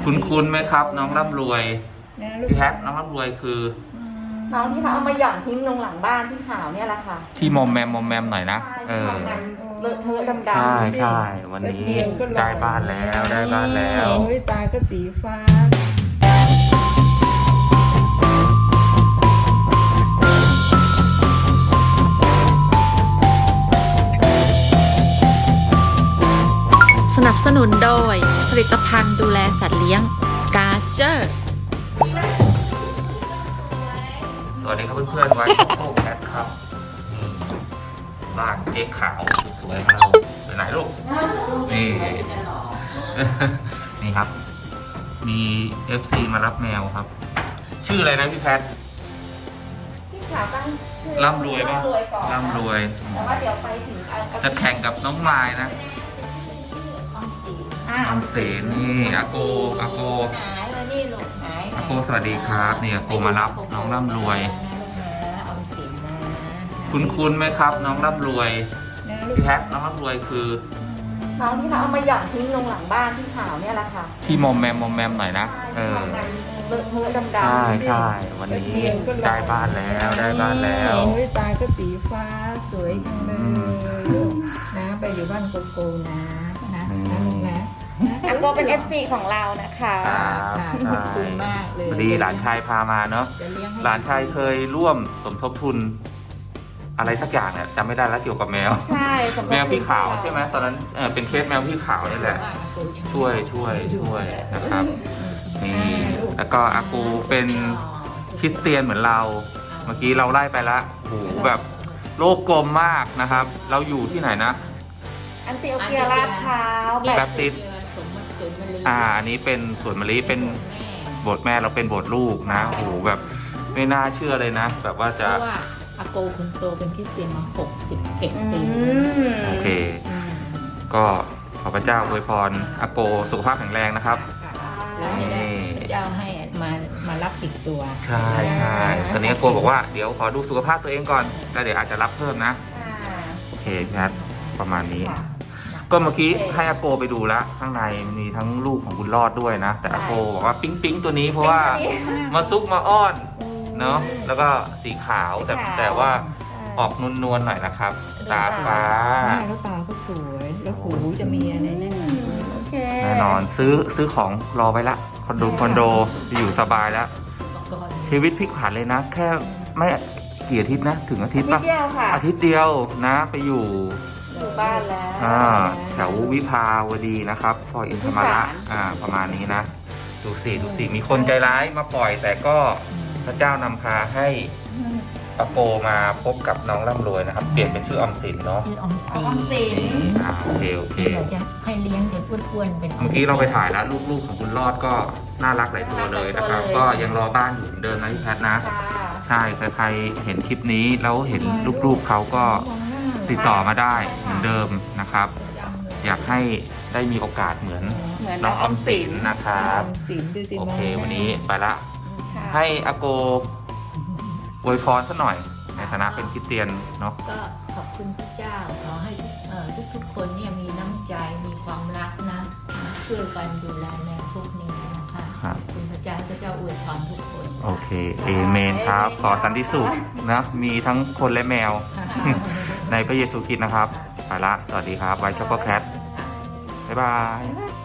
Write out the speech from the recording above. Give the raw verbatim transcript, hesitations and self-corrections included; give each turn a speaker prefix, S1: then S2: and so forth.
S1: คุณคุ้นไหมครับน้องร่ำรวยพี่แพทน้องร่ำรวยคือ
S2: น้องที่เขาเอามาหย่อนทิ้งลงหลังบ้านที่ขาวเนี่ยแหละค่ะ
S1: ที่มอมแมมมอมแมมหน่อยนะเออ
S2: เลอะเทอะดำๆ
S1: ใช่ใช่วันนี้ได้บ้านแล้วได้บ้านแล้ว
S3: โอ้ยตาก็สีฟ้า
S4: สนับสนุนโดยผลิตภัณฑ์ดูแลสัตว์เลี้ยงกาเจอร์
S1: สวัสดีครับเพื่อนๆไว้โอ้แคทครับบ้านเจ๊ขาวสวยๆของเราไปไหนลูกนี่นี่ครับมี เอฟ ซี มารับแมวครับชื่ออะไรนะพี่แพท
S2: ที่ขาวตั้งชื่อ
S1: ร่ำรวยป่ะร่ำรวย
S2: แต่ว่าเดี๋ยวไปถึง
S1: จะแข่งกับน้องไม้นะออมสินนี่อาโกอาโกอาโกสวัสดีครับนี่อาโกมารับน้องร่ำรวยคุณคุ้นไหมครับน้องร่ำรวยพี่แพทน้องร่ำรวยคือ
S2: น้องที่เขาเอามาหย่อนทิ้งลงหลังบ้านที่ขาวเนี่ยแหละค่ะ
S1: ที่มอมแมมมอมแมมหน่อยนะเออ
S2: เลอะเทอะดำๆ
S1: ใช่ใช่วันนี้ได้บ้านแล้วได้บ้านแล้ว
S3: โอ้ยตาก็สีฟ้าสวยจังเลยนะไปอยู่บ้านโกโก้นะนะนะลูกนะ
S2: อาโกเป็น เอฟ ซี ของเรานะคะ
S3: ขอบคุณมากเลย
S1: พอดีหลานชายพามาเนาะหลานชายเคยร่วมสมทบทุนอะไรสักอย่างเนี่ยจำไม่ได้แล้วเกี่ยวกับแมว
S2: ใช่
S1: แมวพี่ขาวใช่ไหมตอนนั้นเออเป็นเคสแมวพี่ขาวนี่แหละช่วยช่วยช่วยนะครับนี่แล้วก็อากูเป็นคริสเตียนเหมือนเราเมื่อกี้เราไล่ไปละโหแบบโลกกลมมากนะครับเราอยู่ที่ไหนนะ
S2: อันเตียวเกียลาดพร้าว
S1: แบปติสอ่าอันนี้เป็นสวนมะลิเป็นโบสถ์แม่เราเป็นโบสถ์ลูกนะโหแบบไม่น่าเชื่อเลยนะแบบว่าจะ
S3: อาโกคุณโตเป็นคริสเตียนมาหกสิบเอ็ดปี
S1: โอเคก็ขอพระเจ้าอวยพรอาโกสุขภาพแข็งแรงนะครับ
S3: แล้วพระเจ้าให้มามารับอีกตัว
S1: ใช่ใช่ตอนนี้อาโกบอกว่าเดี๋ยวขอดูสุขภาพตัวเองก่อนแล้วเดี๋ยวอาจจะรับเพิ่มนะโอเคพี่นัทประมาณนี้ก็เมื่อกี้ให้อาโกไปดูแล้วข้างในมีทั้งลูกของบุญรอดด้วยนะแต่อาโกบอกว่าปิ๊งปิ๊งตัวนี้เพราะว่ามาซุกมาอ้อนเนาะแล้วก็สีขาวแต่แต่ว่าออกนวลนวลหน่อยนะครับตาฟ้า
S3: แล้วตาก็สวยแล้วหูจะมีอะไรแน่
S1: แน่นอนซื้อซื้อของรอไว้ละคอนโดคอนโดอยู่สบายแล้วชีวิตพลิกผันเลยนะแค่ไม่กี่อาทิตย์นะถึงอาทิตย์ป่ะอาทิตย์เดียวนะไปอยู่
S2: อยู่บ้านแล้ว
S1: อ่าแถววิภาวดีนะครับซอยอินทรมาระอ่าประมาณนี้นะดูสิดูสิมีคนใจร้ายมาปล่อยแต่ก็พระเจ้านำพาให้อาโปมาพบกับน้องร่ำรวยนะครับเปลี่ยนเป็นชื่ออมสินเนาะ
S3: ชื่ออมสิน
S1: อ่าโอเคโอเค
S3: เราจะให้เลี้ยงจนอ้วนๆเป็น
S1: เมื่อกี้เราไปถ่ายแล้วลูกๆของคุณรอดก็น่ารักหลายตัวเลยนะครับก็ยังรอบ้านอยู่เหมือนเดิมนะพี่แพทนะใช่ใครๆเห็นคลิปนี้แล้วเห็นลูกๆเขาก็ติดต่อมาได้เหมือนเดิมนะครับอยากให้ได้มีโอกาสเหมือนน้องอมสินนะครับโอเควันนี้ไปละให้อาโกอวยพรสักหน่อยในฐานะเป็นคริสเตียนเนาะ
S3: ก็ขอบคุณพระเจ้าขอให้ทุกๆคนเนี่ยมีน้ำใจมีความรักนะช่วยกันดูแลแมวพวกนี้นะคะขอบคุณพระเจ้าพระเจ้าอวยพรทุกคน
S1: โอเคเอเมนครับขอสันติสุขนะมีทั้งคนและแมวในพระเยซูคริสต์นะครับไปละสวัสดีครับไวช็อกโกแคทบ๊ายบาย